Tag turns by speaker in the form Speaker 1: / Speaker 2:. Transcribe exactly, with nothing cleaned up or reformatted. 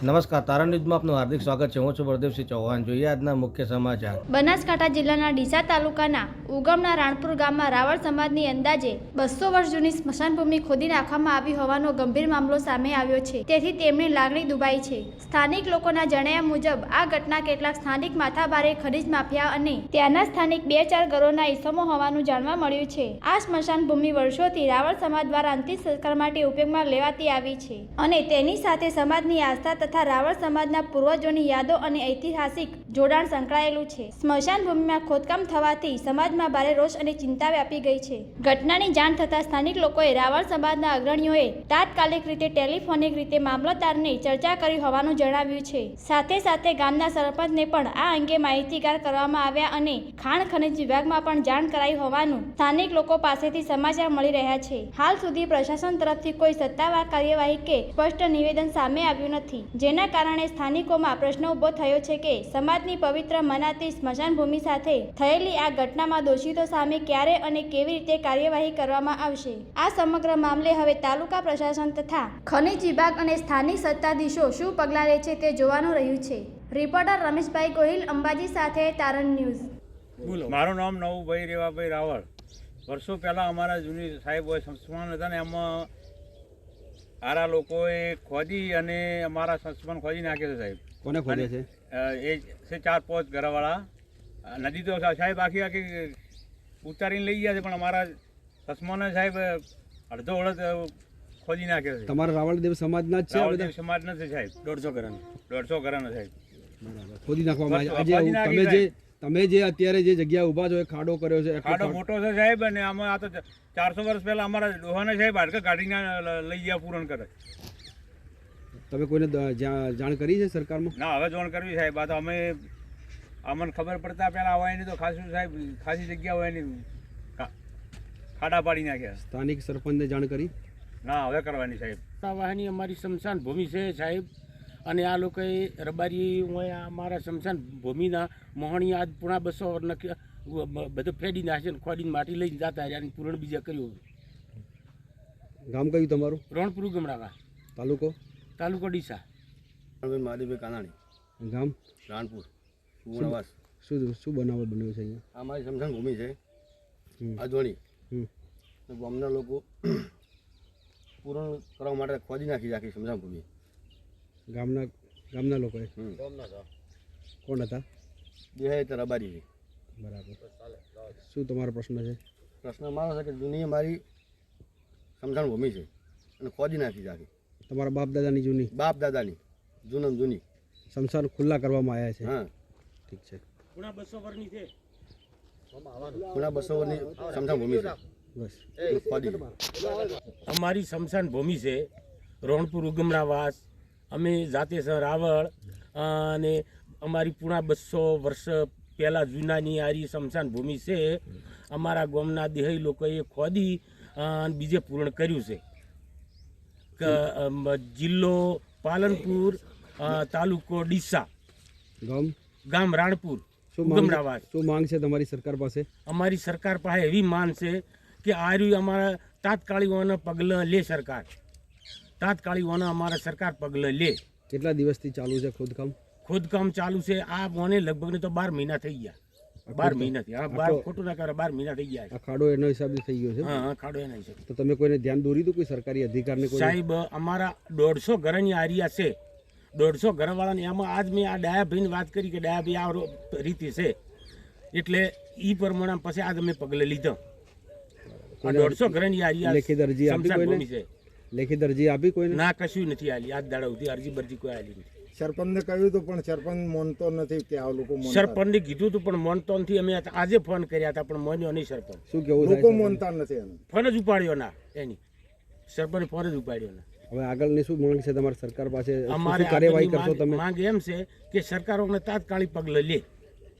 Speaker 1: નમસ્કાર, તારણ ન્યૂઝમાં આપનું હાર્દિક સ્વાગત છે. હું છું બળદેવસિંહ ચૌહાણ. જોઈએ આજના મુખ્ય સમાચાર.
Speaker 2: બનાસકાંઠા જિલ્લાના ડીસા તાલુકાના ઉગમના રાણપુર ગામમાં રાવળ સમાજની અંદાજે બસો વર્ષ જૂની સ્મશાનભૂમિ ખોદી નાખવામાં આવી હોવાનો ગંભીર મામલો સામે આવ્યો છે. તેથી તેમની લાગણી દુભાઈ છે. સ્થાનિક લોકોના જણાવ્યા મુજબ આ ઘટના કેટલાક સ્થાનિક માથાભારે ખનીજ માફિયા અને ત્યાંના સ્થાનિક બે ચાર ઘરોના ઈસમો હોવાનું જાણવા મળ્યું છે. આ સ્મશાન ભૂમિ વર્ષોથી રાવળ સમાજ દ્વારા અંતિમ સંસ્કાર માટે ઉપયોગમાં લેવાતી આવી છે અને તેની સાથે સમાજની આસ્થા તથા રાવળ સમાજના પૂર્વજોની યાદો અને ઐતિહાસિક જોડાણ સંકળાયેલું છે. સ્મશાન ભૂમિમાં ખોદકામ થવાથી સમાજમાં ભારે રોષ અને ચિંતા વ્યાપી ગઈ છે. ઘટનાની જાણ થતાં સ્થાનિક લોકોએ રાવળ સમાજના અગ્રણીઓએ તાત્કાલિક રીતે ટેલિફોનિક રીતે મામલતદારને ચર્ચા કરી હોવાનું જણાવ્યું છે. સાથે સાથે ગામના સરપંચને પણ આ અંગે માહિતીગાર કરવામાં આવ્યા અને ખાણ ખનિજ વિભાગમાં પણ જાણ કરાઈ હોવાનું સ્થાનિક લોકો પાસેથી સમાચાર મળી રહ્યા છે. હાલ સુધી પ્રશાસન તરફથી કોઈ સત્તાવાર કાર્યવાહી કે સ્પષ્ટ નિવેદન સામે આવ્યું નથી, જેના કારણે સ્થાનિકોમાં પ્રશ્ન ઉભો થયો છે કે સમાજની પવિત્ર મનાતી સ્મશાન ભૂમિ સાથે થયેલી આ ઘટનામાં દોષિતો સામે ક્યારે અને કેવી રીતે કાર્યવાહી કરવામાં આવશે. આ સમગ્ર મામલે હવે તાલુકા પ્રશાસન તથા ખનિજ વિભાગ અને સ્થાનિક સત્તાધીશો શું પગલાં લે છે તે જોવાનું રહ્યું છે. રિપોર્ટર રમેશભાઈ ગોહિલ, અંબાજી સાથે તારણ ન્યૂઝ.
Speaker 3: બોલો. મારું નામ નવુભાઈ રેવાભાઈ રાવળ. વર્ષો પહેલાં અમારા જૂની સાહેબ હોય સંસ્માન હતા ને એમાં આરા લોકોએ ખોદી અને અમારા સંસ્માન ખોદી નાખ્યો છે સાહેબ.
Speaker 4: કોને ખોદે છે?
Speaker 3: એ છે ચાર પાંચ ઘરવાળા. નદી તો સાહેબ આખી આખી ઉતારીને લઈ ગયા છે, પણ અમારા સંસ્માને સાહેબ અડધો અડધ ખોદી નાખ્યો છે.
Speaker 4: તમારા રાવળદેવ સમાજના જ છે?
Speaker 3: રાવળદેવ સમાજ નથી સાહેબ. દોઢસો ઘર દોઢસો ઘરના સાહેબ
Speaker 4: ખોદી નાખવામાં આવ્યા. આજે તમે જે તમે જે અત્યારે જે જગ્યા ઊભા છો એ ખાડો કર્યો છે?
Speaker 3: ખાડો મોટો છે સાહેબ, અને આમાં આ તો ચારસો વર્ષ પહેલા અમારા ડોહાને સાહેબ હાડકા કાઢીને લઈ ગયા પૂરણ કરે.
Speaker 4: તમે કોઈને જાણ કરી છે સરકારમાં?
Speaker 3: ના, હવે જાણ કરવી સાહેબ. આ તો અમે અમને ખબર પડતા પહેલા હોય નહીં તો ખાસું સાહેબ ખાસી જગ્યા હોય નહીં ખાડા પાડી નાખ્યા.
Speaker 4: સ્થાનિક સરપંચને જાણ કરી?
Speaker 3: ના, હવે કરવાની સાહેબ.
Speaker 5: વાહની અમારી સ્મશાન ભૂમિ છે સાહેબ, અને આ લોકોએ રબારી હોય અમારા સ્મશાન ભૂમિના મોહણી આજ પૂણા બસો બધું ફેડી નાખે ને ખોડીને માટી લઈને જતા રહ્યા અને પૂરણ બીજા કર્યું.
Speaker 4: ગામ કયું તમારું?
Speaker 5: રણપુર ગમડાવા.
Speaker 4: તાલુકો?
Speaker 5: તાલુકો ડીસા.
Speaker 6: મહાદેવભાઈ કાનાણી.
Speaker 4: ગામ?
Speaker 6: રાણપુર. સુવર્ણવાસ.
Speaker 4: શું શું બનાવટ બન્યું છે અહીંયા?
Speaker 6: અમારી સ્મશાન ભૂમિ છે અજોણી. ગામના લોકો પૂરણ કરવા માટે ખોદી નાખી આખી સ્મશાન ભૂમિ.
Speaker 4: ગામના ગામના લોકોએ? કોણ હતા?
Speaker 6: દેહાય તો રબારી છે.
Speaker 4: બરાબર. શું તમારો પ્રશ્ન છે?
Speaker 6: પ્રશ્ન મારો છે કે જૂની અમારી સ્મશાન ભૂમિ છે અને ખોદી નાખી છે આખી.
Speaker 4: તમારા બાપ દાદાની જૂની?
Speaker 6: બાપ દાદાની જૂનમ જૂની
Speaker 4: સ્મશાન ખુલ્લા કરવામાં આવ્યા છે?
Speaker 6: હા,
Speaker 4: ઠીક છે.
Speaker 5: પૂણા બસો વર્ષની છે.
Speaker 6: પૂણા બસો વર્ષની સ્મશાન ભૂમિ છે.
Speaker 4: બસ
Speaker 6: ખોદી
Speaker 5: અમારી સ્મશાન ભૂમિ છે રણપુર ઉગમણાવાસ. અમે જાતે છે રાવળ, અને અમારી પૂણા બસો વર્ષ પહેલાં જૂનાની આરી સ્મશાન ભૂમિ છે. અમારા ગામના દેહી લોકોએ ખોદી અને બીજે પૂર્ણ કર્યું છે. જિલ્લો પાલનપુર, તાલુકો ડીસા,
Speaker 4: ગામ
Speaker 5: ગામ રાણપુર
Speaker 4: શું
Speaker 5: ઉગમણાવાસ.
Speaker 4: શું માંગ છે તમારી સરકાર પાસે?
Speaker 5: અમારી સરકાર પાસે એવી માંગ છે કે આ રહ્યું અમારા તાત્કાલિકોના પગલાં લે સરકાર. તાત્કાલિકોના અમારા સરકાર પગલાં લે.
Speaker 4: કેટલા દિવસથી ચાલુ છે ખોદકામ?
Speaker 5: ખોદકામ ચાલુ છે આ મને લગભગ ને તો બાર મહિના થઈ ગયા. બાર મહિનાથી હા, બાર ખોટું ના કરે, બાર મહિના થઈ ગયા.
Speaker 4: આ ખાડો એનો હિસાબે થઈ ગયો છે?
Speaker 5: હા હા, ખાડો એના હિસાબે.
Speaker 4: તો તમે કોઈને ધ્યાન દોરી દો? કોઈ સરકારી અધિકારને? કોઈ
Speaker 5: સાહેબ, અમારા દોઢસો ઘરની આરિયા છે. દોઢસો ઘરવાળાને એમાં આજ મેં આ ડાયાભાઈને વાત કરી કે ડાયાભાઈ આ રીતિ છે, એટલે એ પ્રમાણે પછી આજ અમે પગલે લીધો. દોઢસો ઘરની આરિયા
Speaker 4: લેખિત અરજી આપી કોઈને?
Speaker 5: છે.
Speaker 4: લેખિત અરજી આપી કોઈને?
Speaker 5: ના, કશું નથી આલી. આજ દાડા સુધી અરજી બરજી કોઈ આલી નથી.
Speaker 7: સરપંચને કહ્યું હતું પણ સરપંચ માનતો નથી કે આ લોકો
Speaker 5: સરપંચને કીધું હતું પણ માનતો નથી. અમે આજે ફોન કર્યા હતા પણ માન્યો નહીં સરપંચ.
Speaker 4: શું કેવું?
Speaker 7: લોકો માનતા નથી એનું.
Speaker 5: ફોન જ ઉપાડ્યો ના એની. સરપંચ ફોન જ ઉપાડ્યો ના.
Speaker 4: હવે આગળની શું માંગ છે તમારી સરકાર પાસે?
Speaker 5: અમારે
Speaker 4: કાર્યવાહી કરશો તમે?
Speaker 5: માંગ એમ છે કે સરકારોને તાત્કાલિક પગલાં લે.